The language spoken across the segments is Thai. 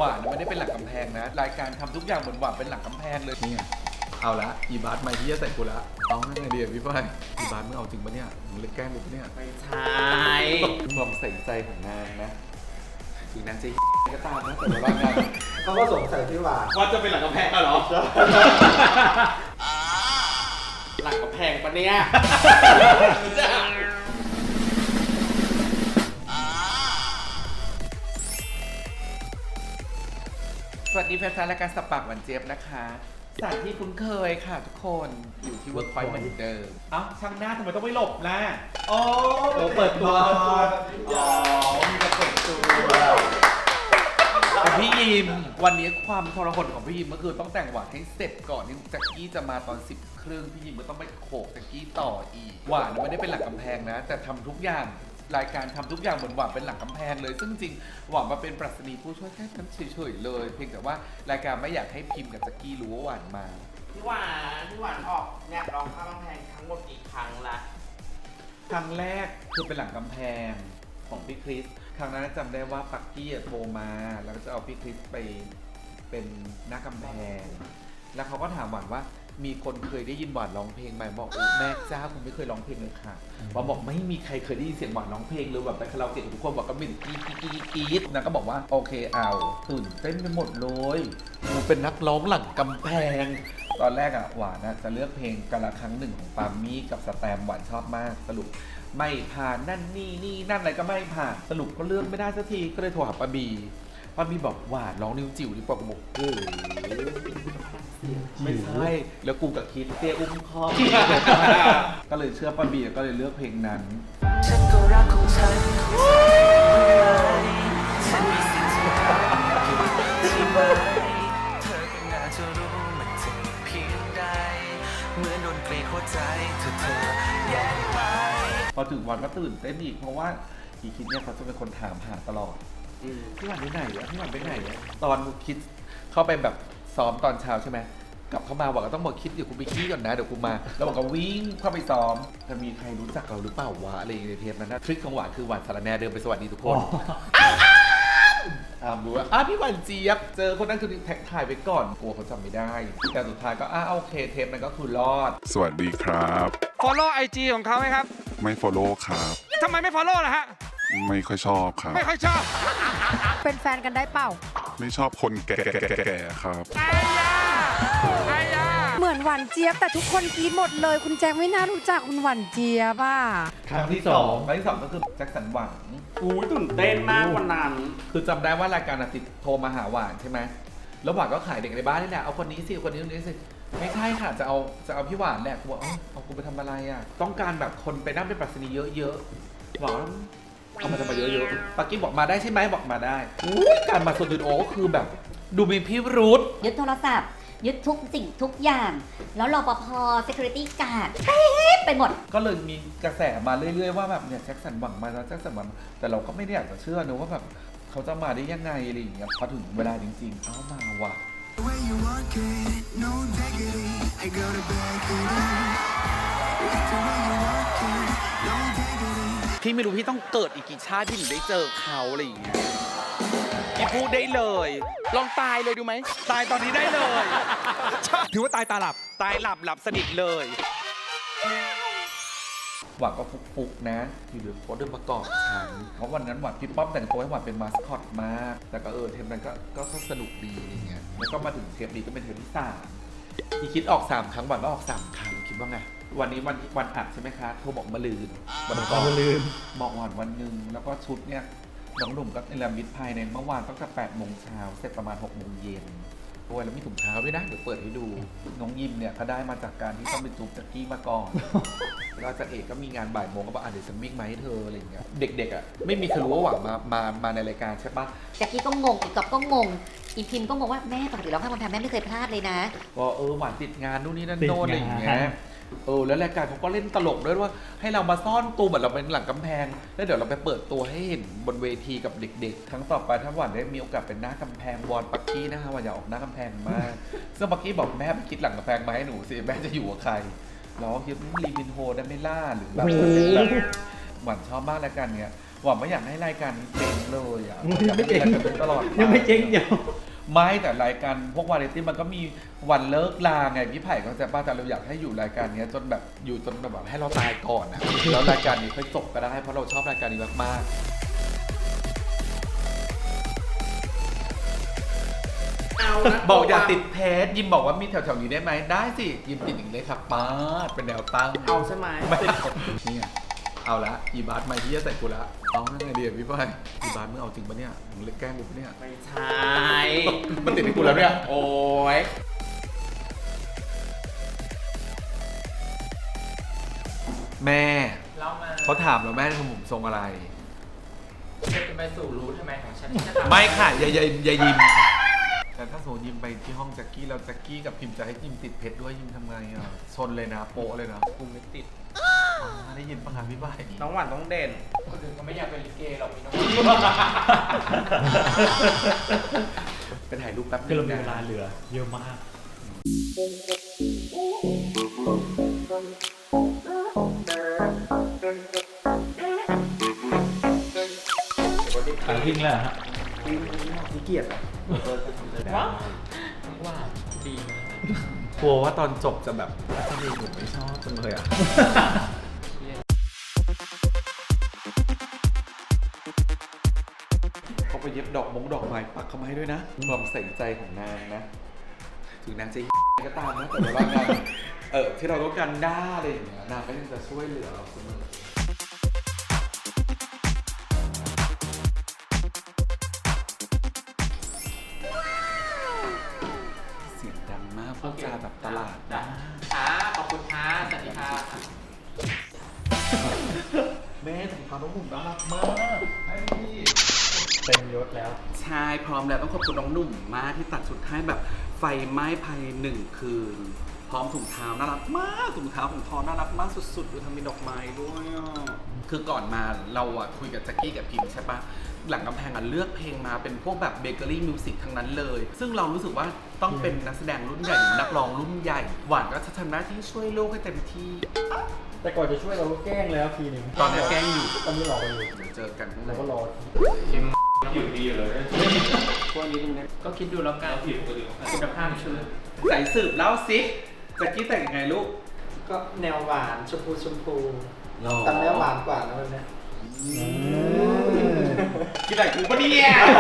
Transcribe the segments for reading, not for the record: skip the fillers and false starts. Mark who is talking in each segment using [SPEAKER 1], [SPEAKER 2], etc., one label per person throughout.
[SPEAKER 1] วานไม่ได้เป็นหลังกำแพงนะรายการทำทุกอย่างเหมือนหวานเป็นหลังกำแพงเลยเนี่ยเอาละอีบาสไม่ที่จะใส่กูละเอาไงดีอะพี่ฝ้ายอีบาสมึงเอาจริงปะเนี่ยมึงเล่นแกล้งกูปะเนี่ย
[SPEAKER 2] ไม่ใช่
[SPEAKER 1] ความใส่ใจของนางนะถึงนางจะก็ตามนะแต่ว่างาน
[SPEAKER 3] เขาก็สงสัยพี่หวาน
[SPEAKER 2] ว่าจะเป็นหลังกำแพงเหรอ หลังกำแพงปะเนี่ย
[SPEAKER 1] สวัสดีแฟนๆรายการสบปากหวานเจี๊ยบนะคะสถานที่คุ้นเคยค่ะทุกคนอยู่ที่เวิร์กพอยต์เหมือนเดิมเอ้าช่างหน้าทำไมต้องไม่หลบล่ะโอ้เปิดตัวอ๋อมีแต่เปิดตัวพี่ยิมวันนี้ความทรหดของพี่ยิมก็คือต้องแต่งหวานให้เสร็จก่อนที่แจ็คกี้จะมาตอน 10 ครึ่งพี่ยิมก็ต้องไปโขกแจ็คกี้ต่ออีกหวานไม่ได้เป็นหลังกำแพงนะแต่ทำทุกอย่างรายการทำทุกอย่างเหมือนหวานเป็นหลังกำแพงเลยซึ่งจริงหวานมาเป็นปรัชนีผู้ช่วยแค่นั้นเฉยๆเลยเพียงแต่ว่ารายการไม่อยากให้พิมพ์กับแจ็คกี้รู้ว่าหวานมา
[SPEAKER 2] พี่หวานออกเนี่ยร้องข้ามกำแพงทั้งหมดกี่ครั้งละ
[SPEAKER 1] ครั้งแรกคือเป็นหลังกำแพงของพี่คริสครั้งนั้นจำได้ว่าปักกี้โทรมาแล้วก็จะเอาพี่คริสไปเป็นหน้ากำแพงแล้วเขาก็ถามหวานว่ามีคนเคยได้ยินหวานร้องเพลงไหมบอกแม่เจ้าผมไม่เคยร้องเพลงเลยค่ะหวานบอกไม่มีใครเคยได้ยินเสียงหวานร้องเพลงเลยแบบไปคาราโอเกะทุกคนบอกก็มีกรี๊ดนะก็บอกว่าโอเคเอาตื่นเต้นไปหมดเลยกูเป็นนักร้องหลังกำแพงตอนแรกอะหวานจะเลือกเพลงกาละครั้งหนึ่งของปามี่กับสแตมหวานชอบมากสรุปไม่ผ่านนั่นนี่นั่นอะไรก็ไม่ผ่านสรุปก็เลือกไม่ได้สักทีก็เลยโทรหาป้าบีบอกหวานร้องนิ้วจิ๋วดีกว่ากูบอกโอ้ไม่ใช่แล้วกูกับคิดเตี้ยอุ้มคอ ก็เลยเชื่อป้าบีก็เลยเลือกเพลงนั้นฉันก็รักของฉันฉันมีสิทธิ์ที่ไหมเธอก็น่าจะรู้มันเจ็บเพียงใดเหมือนโดนเกลียดหัวใจเธอแยกไปพอถึงวันก็ตื่นเต้นอีกเพราะว่าอีคิดเนี่ยเขาจะเป็นคนถามหาตลอดพี่หวานไปไหนอะพี่หวานไปไหนอะตอนคิดเข้าไปแบบซ้อมตอนเช้าใช่ไหมกลับเข้ามาบอกก็ต้องบอกคิดเดี๋ยวกูไปขี้ก่อนนะเดี๋ยวกูมาแล้วบอกก็วิ่งเข้าไปซ้อมจะมีใครรู้จักเราหรือเปล่าวะอะไรในเทปนั้นนะทริคของหวานคือหวานสารแนเดินไปสวัสดีทุกคนรู้ว่าพี่หวานเจี๊ยบเจอคนนั้นคือแท็กถ่ายไปก่อนกลัวเขาจำไม่ได้แต่สุดท้ายก็โอเคเทปนั้นก็คือรอด
[SPEAKER 4] สวัสดีครับ
[SPEAKER 5] follow IG ของเขาไหมครับ
[SPEAKER 4] ไม่ follow ครับ
[SPEAKER 5] ทำไมไม่ follow ล่ะฮะ
[SPEAKER 4] ไม่ค่อยชอบครับ
[SPEAKER 5] ไม่ค่อยชอบ
[SPEAKER 6] เป็นแฟนกันได้เปล่า
[SPEAKER 4] ไม่ชอบคนแก่ๆครับ
[SPEAKER 5] ไอ้ยาไอ้ยา
[SPEAKER 6] เหมือนหวานเจี๊ยบแต่ทุกคนกรี๊ดหมดเลย คุณแจงไม่น่ารู้จักคุณหวานเจี๊ยบอ่ะ
[SPEAKER 1] ครั้งที่สองก็คือแจ็คสันหวัง
[SPEAKER 2] อุ้ยตื่นเต้นมากวันนั้น
[SPEAKER 1] คือจำได้ว่ารายการติดโทรมาหาหวานใช่ไหมแล้วหวานก็ขายเด็กในบ้านนี่แหละเอาคนนี้สิคนนี้คนนี้สิไม่ใช่ค่ะจะเอาพี่หวานแหละกูบอกเอากูไปทำอะไรอ่ะต้องการแบบคนไปนั่งเป็นปรัชนีเยอะๆหวานเอามาทำมาเยอะๆปักกี้บอกมาได้ใช่ไหมบอกมาได้การมาสตูดิโอก็คือแบบดูมีพิรุธ
[SPEAKER 7] ยึดโทรศัพท์ ยึดทุกสิ่งทุกอย่าง แล้วรปภ security guard ไปหมด
[SPEAKER 1] ก็เลยมีกระแสมาเรื่อยๆว่าแบบเนี่ยแจ็คสันหวังมาแล้วแจ็คสันหวังแต่เราก็ไม่ได้อยากจะเชื่อนะว่าแบบเขาจะมาได้ยังไงอะไรอย่างเงี้ยพอถึงเวลาจริงๆมาว่ะ
[SPEAKER 5] พี่ไม่รู้พี่ต้องเกิดอีกกี่ชาติที่หนูได้เจอเขาอะไรอย่างเงี้ยพี่พูดได้เลย ลองตายเลยดูไหม ตายตอนนี้ได้เลย ถือว่าตายตาหลับ ตายหลับสนิทเลย
[SPEAKER 1] หวังก็ฟุกๆนะที่เหลือโค้ดเดินประกอบฉันเพราะวันนั้นหวังพี่ป้อมแต่งตัวให้หวังเป็นมาสคอตมากแต่ก็เทปนั้นก็สนุกดีอะไรเงี้ยแล้วก็มาถึงเทปนี้ก็เป็นเทปที่3ที่คิดออก3ครั้งหวังก็ออก3ครั้งคิดว่าไงวันนี้วันอัดใช่ไหมคะโทรบอกมะลืนวันก่อนมะลืนบอกวันหนึ่งแล้วก็ชุดเนี่ยน้องหนุ่มก็เนรมิตภายในเมื่อวานตั้งแต่8 โมงเช้าเสร็จประมาณ6 โมงเย็นด้วยแล้วมีถุงเท้าด้วยนะเดี๋ยวเปิดให้ดูน้องยิมเนี่ยเขาได้มาจากการที่ต้องไปจูบแจ็คกี้มาก่อน แล้วอาจารย์เอกก็มีงานบ่ายโมงก็บอกเดี๋ยวฉันวิ่งมาให้เธออะไรอย่างเงี้ยเด็กๆอ่ะไม่มีใครรู้ว่าหวังมาในรายการใช่ปะ
[SPEAKER 7] แจ็คกี้ก็งง อีกก๊อฟก็งง อีพิมก็งงว่าแม่ปกติร้องข้ามกำแพงแม่ไม่เคยพลาดเลยนะ
[SPEAKER 1] ว่าหวานติดงานนู่นนี่นั่นโน่นอะไรอย่างเงี้ยแล้วรายการเขาก็เล่นตลกด้วยว่าให้เรามาซ่อนตัวเหมือนเราเป็นหลังกำแพงแล้วเดี๋ยวเราไปเปิดตัวให้เห็นบนเวทีกับเด็กๆครั้งต่อไปถ้าหวานได้มีโอกาสเป็นหน้ากำแพงวอนปักกี้นะคะหวานอยากออกหน้ากำแพงมากซึ่งปักกี้บอกแม่ไปคิดหลังกำแพงมาให้หนูสิแม่จะอยู่กับใครเราก็คิดลีมินโฮได้ไม่ล่าหรือแบบหวานชอบมากรายการเนี้ยหวังว่าอยากให้รายการนี้เจ๊งเลยอ่ะ
[SPEAKER 3] ยังไม่เจ๊ง
[SPEAKER 1] อยากให้เป็นตลอดไป
[SPEAKER 3] ยังไม่เจ๊งเดียว
[SPEAKER 1] ไม่แต่รายการพวกวาไรตี้มันก็มีวันเลิกลาไงพี่ไผ่เขาจะป้าแต่เราอยากให้อยู่รายการเนี้ยจนแบบอยู่จนแบบให้เราตายก่อนนะแล้วรายการนี้ค่อยจบก็ได้เพราะเราชอบรายการนี้มากๆ
[SPEAKER 2] เอานะ
[SPEAKER 1] บอกอย่าติดเพจยิมบอกว่ามีแถวๆนี้ได้ไหมได้สิยิมติดอีกเลยครับป้าดเป็นแนวตั้ง
[SPEAKER 2] เอาใช่ไหม
[SPEAKER 1] ไม่นี่ไงเอาละอีบาสมาที่จะใส่กูละเอาไงดีอะพี่ไผ่อีบาสมึงเอาจริงปะเนี่ยมึงเล่นแกล้งกูปะเนี่ย
[SPEAKER 2] ไม่ใช่
[SPEAKER 1] มันติดให้กูแล้วเนี่ย
[SPEAKER 2] โอ้ย
[SPEAKER 1] แม่
[SPEAKER 8] เล่ามา
[SPEAKER 1] เขาถามเราแม่ทำผมทรงอะไร
[SPEAKER 8] จะไปสู่รู้ทำไมของฉันที่จะทำ
[SPEAKER 1] ไม่ค่ะอย่ายิมค่ะแต่ถ้าสมมติยิมไปที่ห้องแจ็คกี้แล้วแจ็คกี้กับพิมจะให้ยิมติดเพชรด้วยยิมทำไงอ่ะชนเลยนะโปะเลยนะ
[SPEAKER 8] กูไม่ติด
[SPEAKER 1] ได้ยินปะคะพี่ไผ่
[SPEAKER 2] น้องหวานต้องเด่น
[SPEAKER 8] คนอื่นเขาไม่อยากเป็นลิเกหรอกมีน้อง
[SPEAKER 1] ไปถ่ายรูปแป๊บนึง
[SPEAKER 3] คือเรามี
[SPEAKER 1] นะ
[SPEAKER 3] เวลาเหลือเยอะมากขายทิ้งแล้วฮะ
[SPEAKER 1] ขี้เกียจอ่ะ
[SPEAKER 8] ว่าดีนะ
[SPEAKER 1] กลัวว่าตอนจบจะแบบทำไมผมไม่ชอบจังเลยอ่ะ เขาไปเย็บดอกไม้ปักเข้ามาให้ด้วยนะความใส่ใจของนางนะ ถึงนางจะ ก็ตามนะแต่ว่านางที่เราต้องการด้าอะไรอย่างเงี้ยนางก็ยังจะช่วยเหลือเราเสมอเสียงดังมากพูดจาแบบตลาด
[SPEAKER 8] จ้ะค่ะขอบคุณค่ะสวัสดีค่ะ
[SPEAKER 1] แม่ถุงเท้าน้องหนุ่มน่ารักมาก
[SPEAKER 3] เต็มยศแล้ว
[SPEAKER 2] ใช่พร้อมแล้วต้องขอบคุณน้องหนุ่มมากที่ตัดชุดให้แบบไฟไหม้ภายใน1 คืน พร้อมถุงเท้าน่ารักมากถุงเท้าของทอน่ารักมากสุดๆดูทำเป็นดอกไม้ด้วยอ่ะคือก่อนมาเราอะคุยกับแจ็คกี้กับพิมใช่ปะหลังกำแพงอะเลือกเพลงมาเป็นพวกแบบเบเกอรี่มิวสิกทั้งนั้นเลย ซึ่งเรารู้สึกว่าต้องเป็นนักแสดงรุ่นใหญ่หรือนักร้องรุ่นใหญ่ หวานก็จะทำหน้าที่ช่วยลูกให้เต็มที่
[SPEAKER 3] แต่ก่อนจะช่วยเราก็แกล้งแล้วทีหนึ่ง
[SPEAKER 2] ตอนนี้แกล้งอยู่
[SPEAKER 3] ตอนนี้หลอกกันอยู่
[SPEAKER 2] เดี๋ยวเจอกันข้างใน
[SPEAKER 3] เราก็รอ
[SPEAKER 2] พวกนี้ตรงนี้
[SPEAKER 8] ก็คิดดูแล้วกันคุณภาพชุด
[SPEAKER 2] ใส่สืบเล่าสิแจ็คกี้แต่งยังไงลูก
[SPEAKER 9] ก็แนวหวานชมพูชมพู
[SPEAKER 2] หรอ
[SPEAKER 9] แต่แนวหวานกว่านะวันเนี้ย
[SPEAKER 2] คิดแต่งกูปะเนี่ย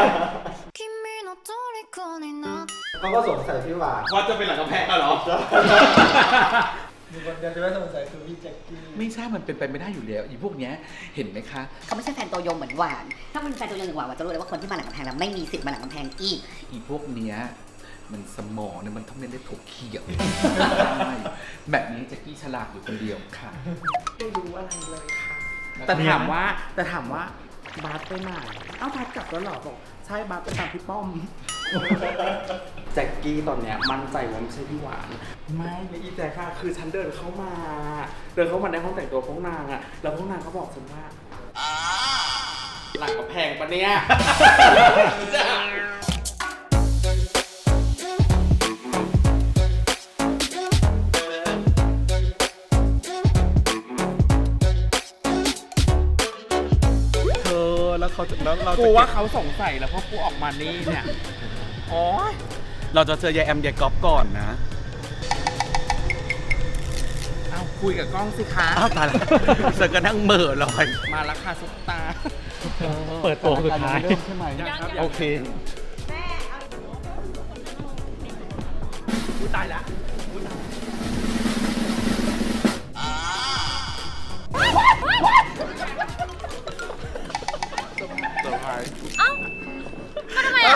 [SPEAKER 9] เขาก็สงสัยพี่หวาน
[SPEAKER 2] ว่าจะเป็นหลังกำแพงอะเหรอ
[SPEAKER 9] มีคนเดียวจะไม่สงสัยคือพี่แจ็คกี้
[SPEAKER 1] ไม่ใช่มันเป็นไปไม่ได้อยู่แล้วอีพวกเนี้ยเห็นไหมคะ
[SPEAKER 7] เขาไม่ใช่แฟนตัวยงเหมือนหวาน ถ้ามันเป็นแฟนตัวยงเหมือนหวานจะรู้เลยว่าคนที่มาหลังกำแพงแล้วไม่มีสิทธิ์มาหลังกำแพงอีก
[SPEAKER 1] อีพวกเนี้ยมันสมองเนี่ยมันต้องเล่นได้ถกเขียว แบบนี้แจ็คกี้ฉลาดอยู่คนเดียวค่ะ
[SPEAKER 2] ไม่รู้อะไรเลยค่ะ แต่ถามว่าบาสไปไหนเอ้าบาสกลับแล้วเหรอบอกใช่บาสไปตามพี่ป้อม แจ็คกี้ตอนเนี้ยมั่นใจว่าไม่ใช่พี่หวาน ไม่อีแจ็คค่ะคือฉันเดินเข้ามาในห้องแต่งตัวพวกนางอะแล้วพวกนางก็บอกฉันว่าหลังกระแพงปะเนี่ย
[SPEAKER 1] เธอแล้วเขาจะแล้วเรา
[SPEAKER 2] กู
[SPEAKER 1] จะ
[SPEAKER 2] ว่าเขาสงสัยแล้วเพราะกูออกมานี่เนี่ยโอ๊ย
[SPEAKER 1] เราจะเจอยายแอมยายก๊อฟก่อนนะ
[SPEAKER 2] เอาคุยกับกล้องสิคะ
[SPEAKER 1] อ้าวตายแล้วเจอกันนั่งเหม่อลอย
[SPEAKER 2] มาแล้วค่ะซุปตา
[SPEAKER 3] เปิดตัวสุดท้าย
[SPEAKER 1] เริ่มใช่ไหมโอเค
[SPEAKER 2] ตายละ
[SPEAKER 6] มาทำไมอ่ะ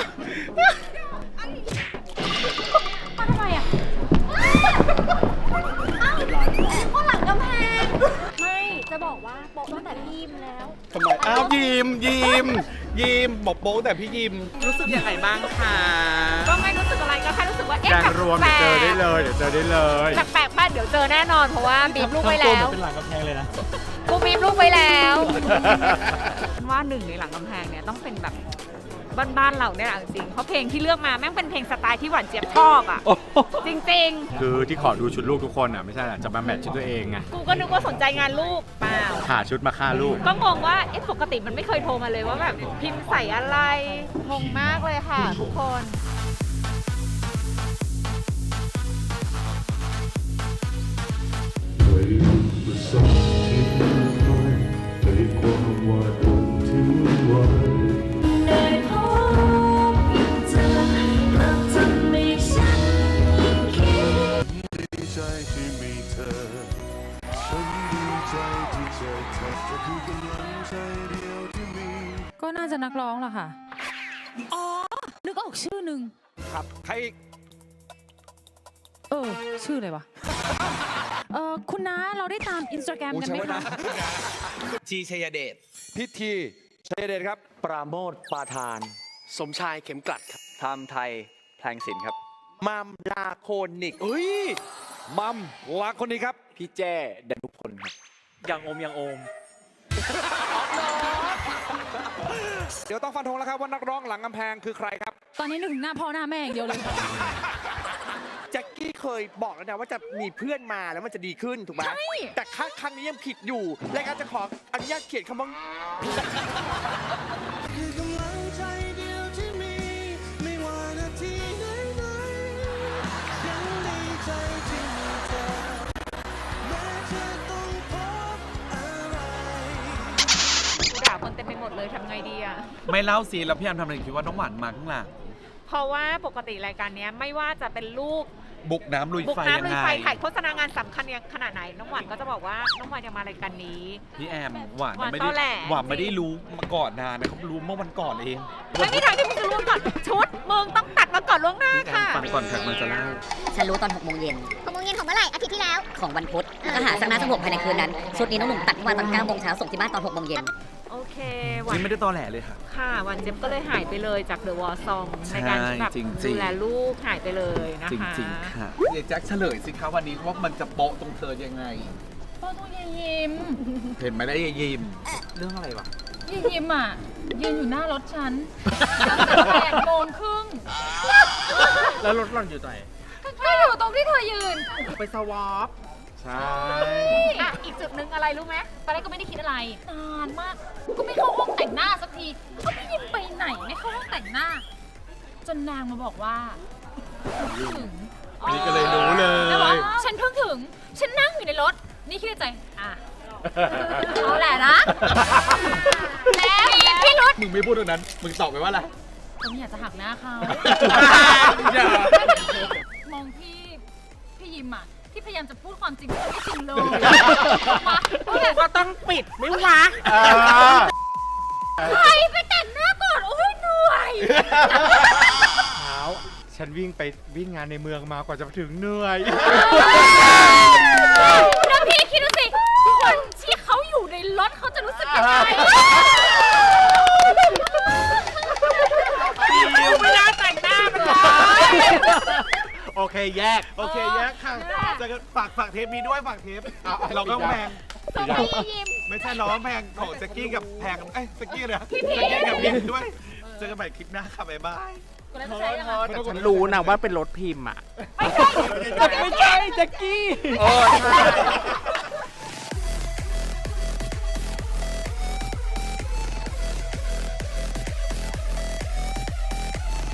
[SPEAKER 10] ข้างหลังกำแพง ไม่ จะบอกว่าโป๊ะตั้งแต่พี่ยิมแล้ว
[SPEAKER 1] ทำไม อ้าวยิมบอกโป๊แต่พี่ยิม
[SPEAKER 2] รู้สึกยังไงบ้างคะ
[SPEAKER 10] ก็ไม่รู้สึกอะไรก็แค่รู้สึกว่าเอ๊ะ
[SPEAKER 3] การรวม
[SPEAKER 10] แปลก
[SPEAKER 3] เจอได้เลยเดี๋ยวเจอได้เลย
[SPEAKER 10] แปลกๆมากเดี๋ยวเจอแน่นอนเพราะว่าบีบลูกไว้
[SPEAKER 3] ทำตัว
[SPEAKER 10] แล้
[SPEAKER 3] เหมื
[SPEAKER 10] ว
[SPEAKER 3] อนเป็นหลังกำแพงเลยนะ
[SPEAKER 10] กูบีบลูกไว้แล้วว่าหนึ่งในหลังกำแพงเนี่ยต้องเป็นแบบบ้านๆเราเนี่ยแหละจริงๆเพราะเพลงที่เลือกมาแม่งเป็นเพลงสไตล์ที่หวานเจี๊ยบชอบอ่ะ จริง
[SPEAKER 3] คือที่ขอดูชุดลูกทุกคนอ่ะไม่ใช่แหละจะมาแมทชุดตัวเองไง
[SPEAKER 10] ๆ กูก็นึกว่าสนใจงานลูกเปล่า
[SPEAKER 3] หาชุดมาฆ่าลูก
[SPEAKER 10] ก็งงว่าปกติมันไม่เคยโทรมาเลยว่าแบบพิมพ์ใส่อะไรงงมากเลยค่ะทุกคน
[SPEAKER 6] ก็น่าจะนักร้องแหละค่ะ อ๋อ นึกออกชื่อหนึ่ง
[SPEAKER 5] ครับใครอีก
[SPEAKER 6] ชื่ออะไรวะ คุณน้าเราได้ตามอินสตาแกรมกันไหมคะ
[SPEAKER 5] ชีชัยเดช
[SPEAKER 9] พิธีชัยเดชครับ ปราโมทปาทาน
[SPEAKER 11] สมชายเข็มกลัดครับ
[SPEAKER 8] ไทม์ไทยแพลงศิลป์ครับ
[SPEAKER 5] มัมลาโคนิกเฮ้ย มัมลาโคนิกครับ
[SPEAKER 11] พี่แจ้ดนุพลครับ
[SPEAKER 8] อย่างโอมอย่างโอม
[SPEAKER 5] เดี๋ยวต้องฟันธงแล้วครับว่านักร้องหลังกำแพงคือใครครับ
[SPEAKER 6] ตอนนี้นึกถึงหน้าพ่อหน้าแม่อย่างเดียวเลย
[SPEAKER 11] แจ็คกี้เคยบอกแล้วนะว่าจะมีเพื่อนมาแล้วมันจะดีขึ้นถูกไหมแต่ครั้งนี้ยังผิดอยู่รายการจะขออนุญาตเขียนคำว่า
[SPEAKER 10] กูด่าคนเต็มไปหมดเลยทำไงดีอ่ะ
[SPEAKER 1] ไม่เล่าสิแล้วพี่แอมทำอะไรคิดว่าน้องหวานมาข้างหลัง
[SPEAKER 10] เพราะว่าปกติรายการเนี้ยไม่ว่าจะเป็นลูก
[SPEAKER 1] บุกน้ำลุย
[SPEAKER 10] บุก
[SPEAKER 1] ไฟ
[SPEAKER 10] น้ำ
[SPEAKER 1] ยัง
[SPEAKER 10] ลุย
[SPEAKER 1] ไง
[SPEAKER 10] ไฟถ่ายโฆษณางานสำคัญยังขนาดไหน น้องหวานก็จะบอกว่าน้องหวานจะมารายการนี้
[SPEAKER 1] พี่แอมหวาน
[SPEAKER 10] หวาน
[SPEAKER 1] ไม่
[SPEAKER 10] ตอแหล
[SPEAKER 1] ได้หวานไม่ได้รู้มาก่อนนานนะเขารู้เมื่อวันก่อนเอง
[SPEAKER 10] ไม่มีทางที่มึงจะรู้ก่อนชุดมึงต้องตัดมาก่อนล่วงหน้า
[SPEAKER 1] พี่แอม
[SPEAKER 10] ค่ะ
[SPEAKER 1] ฟังก่อนค่ะมันจะเล่า
[SPEAKER 7] ฉันรู้ตอน6 โมงเย็น
[SPEAKER 10] 6 โมงเย็นของเมื่อไหร่อาทิตย์ที่แล้ว
[SPEAKER 7] ของวันพุธแล้วก็หาสักหน้าสัก6ภายในคืนนั้น ชุดนี้น้องหนุ่มตัดเมื่อวานตอน9 โมงเช้าส่งที่บ้านตอน6 โมงเย็น
[SPEAKER 10] โอเคหวาน
[SPEAKER 1] นี่ไม่ได้ตอแหลเลยค่ะ
[SPEAKER 10] ค่ะหวานเจ็บก็เลยหายไปเลยจากเดอะวอลซองในการที่แบบ
[SPEAKER 1] จริงๆ
[SPEAKER 10] ดูแลลูกหายไปเลยนะคะ
[SPEAKER 1] จริงๆค่ะเดี๋ยวแจ็คเฉลยสิคะวันนี้ว่ามันจะโปะตรงเธอยังไง
[SPEAKER 6] พ่อต้องยิ้ม
[SPEAKER 1] เห็นไหมได้ยายยิมเรื่องอะไรวะ
[SPEAKER 6] ยิ้มอ่ะ ยืนอยู่หน้ารถฉัน8 โมงครึ่ง
[SPEAKER 3] แล้วรถหล่อนอยู่ไหน
[SPEAKER 6] ก็อยู่ตรงที่เธอยืน
[SPEAKER 1] ไปสวอปใช่
[SPEAKER 10] อ่ะอีกจุดหนึ่งอะไรรู้ไหม
[SPEAKER 6] ตอนแรกก็ไม่ได้คิดอะไร นานมาก ก็ไม่เข้าห้องแต่งหน้าสักทีเขาไม่ยิ้มไปไหนไม่เข้าห้องแต่งหน้า จนนางมาบอกว่าถึง
[SPEAKER 3] นี่ก็เลยรู้เลย
[SPEAKER 6] แล้วบอกฉันเพิ่งถึง ฉันนั่งอยู่ในรถ นี่คิดในใจ อ่ะ เอาแหละนะ แล้วมีพี่รุธ
[SPEAKER 1] มึงไม่พูดตรงนั้น มึงตอบไปว่าอะไร
[SPEAKER 6] ผมอยากจะหักหน้าเขา
[SPEAKER 1] อย่า
[SPEAKER 6] มองพี่ยิมอ่ะ ที่พยายามจะพูดความจริงแต่ไม่จริงเลยก็ต้องปิดไม่วะใครไปแต่งหน้าก่อน โอ้ยเหนื่อย
[SPEAKER 3] เช้าฉันวิ่งไปวิ่งงานในเมืองมากว่าจะถึงเหนื่อย
[SPEAKER 6] แล้วพี่คิดดูสิ คนที่เขาอยู่ในรถเขาจะรู้สึกยังไง
[SPEAKER 10] ไม่น่าแต่งหน้ามันเลย
[SPEAKER 3] โอเคแยก โอเคแยกค่ะจะฝากเทปนี้ด้วยฝากเทป
[SPEAKER 1] เราก็แพง
[SPEAKER 6] ส่งไปยิม
[SPEAKER 3] ไม่ใช่น้องแพงของแจ็คกี้กับแพงแจ็คกี้เลยแจ็คกี้กับพิมด้วย เจอกันใหม่คลิปหน้าค่ะบ๊ายบาย
[SPEAKER 8] ฉันรู้นะว่าเป็นรถพิมพ์อ่ะ
[SPEAKER 3] ไม่ใช่แจ็คกี้
[SPEAKER 1] เออใช่